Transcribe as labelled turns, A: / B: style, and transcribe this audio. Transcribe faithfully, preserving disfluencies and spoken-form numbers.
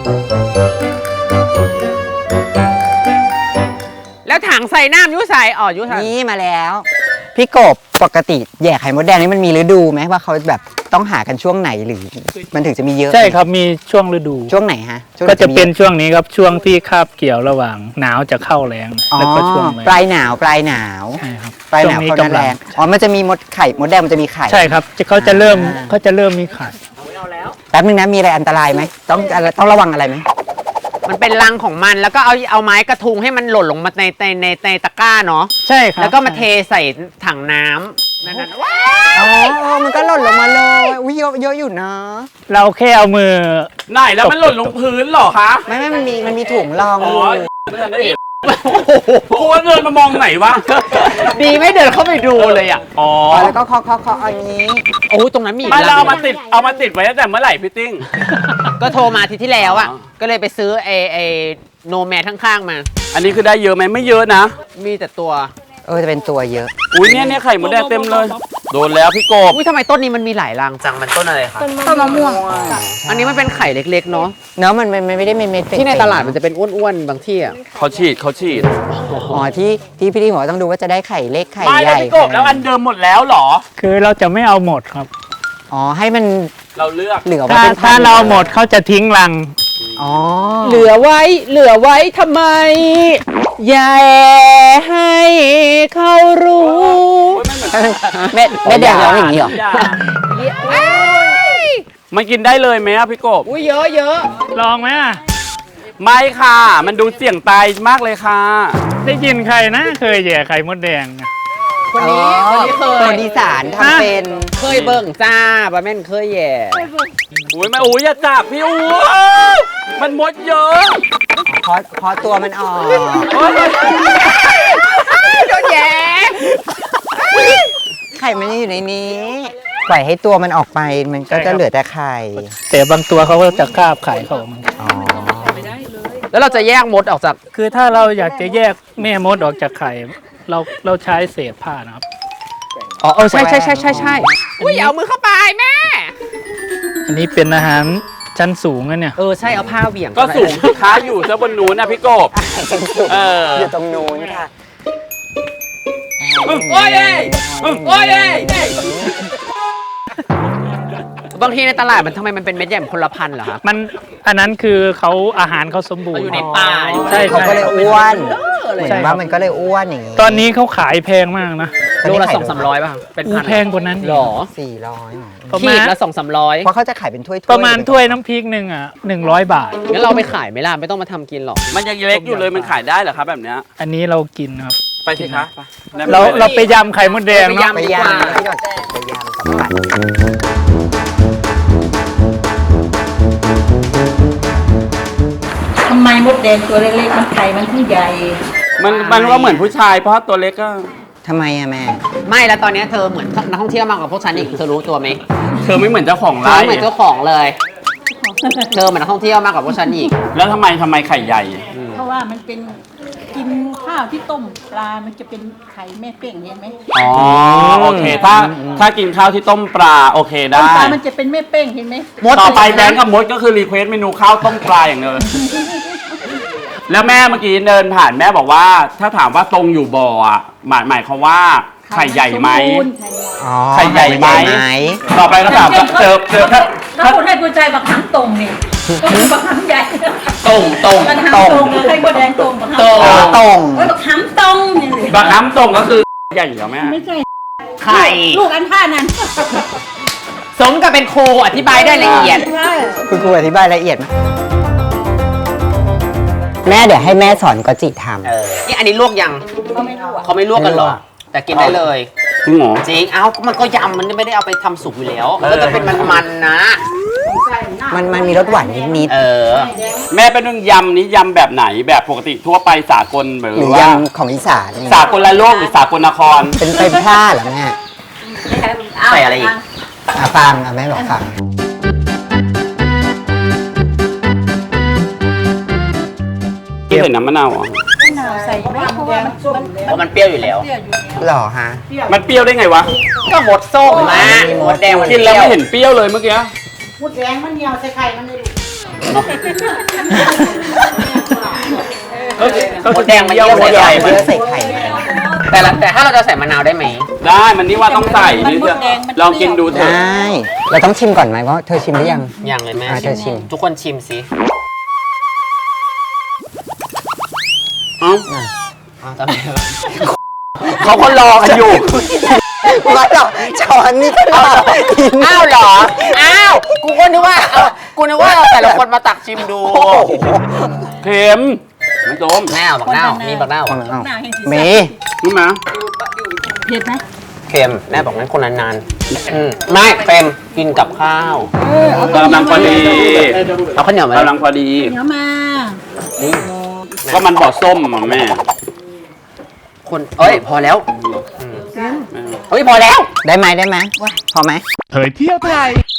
A: แล้วถังใส่น้ำยุใส่อ๋อยุใส่
B: นี่มาแล้วพี่กบปกติแย่ไข่มดแดงนี่มันมีฤดูไหมว่าเขาแบบต้องหากันช่วงไหนหรือมันถึงจะมีเยอะ
C: ใช่ครับมีช่วงฤดู
B: ช่วงไหนฮะ
C: ก็จะเป็นช่วงนี้ครับช่วงที่คาบเกี่ยวระหว่างหนาวจะเข้าแรงแล้วก็ช่วง
B: ปลายหนาวปลายหนาว
C: ใช่ครับ
B: ปลายหนาวเขาแรงอ๋อมันจะมีมดไข่มดแดงมันจะมีไข่
C: ใช่ครับเขาจะเริ่มเขาจะเริ่มมีไข่
B: แป๊บนึงนะมีอะไรอันตรายไหมต้องต้องระวังอะไรไหม
A: มันเป็นรังของมันแล้วก็เอาเอาไม้กระทุงให้มันหล่นลงมาในในในในตะกร้าเนาะ
C: ใช่ครับ
A: แล้วก็มาเทใส่ถังน้ำนั่นๆว้า
B: อ๋อมันก็หล่นลงมาเลยอุ้ยเยอะเยอะอยู่นะ
C: เราแค่เอามือ
D: ไหนแล้วมันหล่นลงพื้นหรอคะ
B: ไม่ไม่มันมีมันมีถุงรอง
D: อ๋อไม่ทันได้เห็นกูว่าเดินมามองไหนวะ
A: ดีไม่เดินเข้าไปดูเลยอ่ะ
D: อ๋อ
B: แล้วก็เคาะเคาะเคาะอันนี้
A: โอ้ตรงนั้นมี
D: ไม่เราเอามาติดเอามาติดไว้ตั้งแต่เมื่อไหร่พี่ติ้ง
A: ก็โทรมาทีที่แล้วอ่ะก็เลยไปซื้อไอไอโนแมทข้างๆมา
D: อันนี้คือได้เยอะไหมไม่เยอะนะ
A: มีแต่ตัว
B: เออจะเป็นตัวเยอะ
D: อุ้ยเนี่ยเนี่ยไข่มดแดงเต็มเลยโดนแล้วพี่กบ
A: อุ้ยทำไมต้นนี้มันมีหลายรังจังมันต้นอะไรคะ
E: ต้นมะม่วง
A: อันนี้มันเป็นไข่เล็กๆเนาะ
B: เนาะมันมันไม่ได้เม็ด
A: ๆที่ในตลาดมันจะเป็นอ้วนๆบางที่อ่ะ
D: เขาฉีดเขาฉีด
B: อ๋อที่ที่พี่ที่หัวต้องดูว่าจะได้ไข่เล็กไข่ใหญ่
D: พี่กบแล้วอันเดิมหมดแล้วหรอ
C: คือเราจะไม่เอาหมดครับ
B: อ๋อให้มัน
D: เราเลือก
B: เหลือ
C: ถ้าถ้าเราหมดเขาจะทิ้งรัง
B: อ๋อ
A: เหลือไว้เหลือไว้ทำไมอย่าให้เขารู้
B: เม็ดเม็ดแดงร้องอย่างนี้เหรอ
D: มันกินได้เลยไหมอะพี่กบ
A: อุ้ยเยอะเยอะ
C: ลองไหมอ่ะ
D: ไม่ค่ะมันดูเสี่ยงตายมากเลยค่ะ
C: ได้ยินใครนะเคยแย่ไข่มดแดง
A: คนนี้คนนี้เคย
B: คนอีสานทำเป็น
A: เคยเบิ่งจ้าบะแม่นเคยแย่
D: อุ้ยไม่อุ้ยอย่าจับพี่อุ้ยมันมดเยอะ
B: เพราะเพราะตัวมันออก
A: โดนแย่
B: ไข่มันอยู่ในนี้ปล่อยให้ตัวมันออกไปมันก็จะเหลือแต่ไข่
C: แต่บางตัวเขาก็จะคาบไข่เขาออกมา
B: อ๋อ
A: แล้วเราจะแยกมดออกจาก
C: คือถ้าเราอยากจะแยกแม่มดออกจากไข่เราเราใช้เศษผ้านะครับ
A: อ๋อใช่ใช่ใช่ใช่ใช่อุ้ยเอามือเข้าไปแม่
C: อันนี้เป็นอาหารชั้นสูงนะเนี่ย
A: เออใช่เอาผ้าเหวี่ยง
D: ก็สูงค้าอยู่ซะบนนู้นนะพี่กบ
B: เอออยู่ตรงนู้นค่ะ
D: โอ้ยโอ้ย
A: บางทีในตลาดมันทำไมมันเป็นเม็ดใหญ่คนละพันเหรอครับ
C: มันอันนั้นคือเขาอาหารเขาสมบูรณ์
A: อยู่ในป่า
C: ใช่
B: เขาก็เลยอ้วนเหมือนว่ามันก็เลยอ้วนอย่างนี้
C: ตอนนี้เขาขายแพงมากนะ
A: โลละสองสามร้อยป่ะเป็นพัน
C: แพงกว่านั้น
A: หรอ
B: สี่ร้อย
A: ขีดละสองสามร้อย
B: เพราะเขาจะขายเป็นถ้วย
C: ประมาณถ้วยน้ำพริกหนึ่งอ่ะหนึ่งร้อยบาท
A: งั้นเราไปขายไหมล่ะไม่ต้องมาทำกินหรอก
D: มันยังเล็กอยู่เลยมันขายได้เหรอครับแบบเนี้ย
C: อันนี้เรากินครับ
D: ไปสิคะ
C: เราเราไปยำไข่มดแดงเนาะ
A: ไปยำ
B: ไปยำไปยำสัมผัส
E: ทำไมมดแดงตัวเล็กๆมันไข่มันถึงใหญ่
D: มันมันก็เหมือนผู้ชายเพราะตัวเล็กก็
B: ทำไมอะแม่
A: ไม่แล้วตอนนี้เธอเหมือนนักท่องเที่ยวมากกว่าพวกฉันอีกเธอรู้ตัวไหม
D: เธอไม่เหมือนเจ้าของ
A: ร้าน
D: เธอ
A: เหมือนเจ้าของเลยเธอเหมือนนักท่องเที่ยวมากกว่าพวกฉันอีก
D: แล้วทำไมทำไมไข่ใหญ่
E: เพราะว่ามันเป็นกินข้าวที่ต้มปลามันจะเป็นไข่แม่เป้งเห็นไหม
D: อ๋อโอเคถ้าถ้ากินข้าวที่ต้มปลาโอเคได้
E: ปลามันจะเป็นแม่เป้งเห็นไหม
D: ต่อไปแบงค์กับมดก็คือรีเควสเมนูข้าวต้มปลาอย่างเดียวแล้วแม่เมื่อกี้เดินผ่านแม่บอกว่าถ้าถามว่าตรงอยู่บ่ออ่ะหมายหมายความว่าไข่ใหญ่ไหมไข่ใหญ่ไหมต่อไปก็ถามเจอเจอถ้า
E: ถ้าคุณให้ผู้ชายบักหังตรงนี่ก็คือบักหังใหญ่
D: ตรงตรง
E: ตรงให้บักแดงตรงบักหัง
B: ตรงตรง
E: บักหังตรง
D: บักหังตรงก็คือใหญ่เหรอแม่
E: ไม่ใช่
A: ไข่
E: ลูกอันท่านั้น
A: สมกับเป็นครูอธิบายได้ละเอียด
B: คุณครูอธิบายละเอียดไหมแม่เดี๋ยวให้แม่สอนก็จิทำ
A: นี่อันนี้ลวกยัง
E: เขาไม่ลวก
A: เขาไม่ลวกกันหรอแต่กินได้เลย
D: จริงเหรอ
A: จริงเอ้ามันก็ยำมันไม่ได้เอาไปทำสุกอยู่แล้วก็จะเป็นมันๆนะ
B: มันมันมีรสหวานนิด
A: ๆเออ
D: แม่เป็นเรื่องยำนี้ยำแบบไหนแบบปกติทั่วไปสากลหรือว่าย
B: ำของอีสาน
D: สากลละโลกหรือสากลนคร
B: เป็นเป็นผ้าเหรอแม่
A: ใส่อะไรอีก
B: อ่ะฟังอ่ะแม่บอกฟัง
D: ที่ใส่น้ำมะนาวอ่ะ
E: ใส่ไม่เพราะว่ามัน
A: เพราะมันเปรี้ยวอยู่แล้ว
B: หรอฮะ
D: มันเปรี้ยวได้ไงวะ
A: ก็หมดส้มมาหมดแดง
D: กินแล้วไม่เห็นเปรี้ยวเลยเมื่อกี้
E: มดแดงมันเหนียวใส่ไข่มันเลย
F: มดแดงมันเยี่ยวหัวใหญ่
B: เยอะใส่ไข่
F: แต่ละแต่ถ้าเราจะใส่มะนาวได้ไหม
D: ได้มันนี่ว่าต้องใส่นี่เถอะลองกินดูเถ
B: ได
D: อะ
B: ้เราต้องชิมก่อนไหมว่าเธอชิมหรือยัง
F: อย่างเลยแม่
B: อ่ะเธอชิม
F: ทุกคนชิมสิ
D: เอ้า
F: อ้าวทำไมวะ
D: เขาก็รอกันอยู่
B: ว่าหรอช้อนนี่ก็รอกิน
F: อ้าวเหรอ อ้าว กูก็นึกว่าเอากูนึกว่าเราแต่ละคนมาตักชิมดู
D: เค็มน้ำส้ม
F: แม่เอาบักนาวมีบักนาว
B: เอา
E: หน้าแห่งสี
B: เม
D: นี่มา
E: เผ็ดไหม
F: เค็มแม่บอกงั้นคนนานๆอืมไม่เค็มกินกับข้าว
D: กำลังพอดี
F: เอาข้าวเหนียวมาก
D: ำลังพอดี
E: เดี๋ยวมา
D: ก็มันบ่อส้มอ่ะแม่
F: คนเอ้ย พอแล้วอืมเฮ้ย พอแล้ว
B: ได้ไหมได้ไหมพอไหม
G: เผยเที่ยวไทย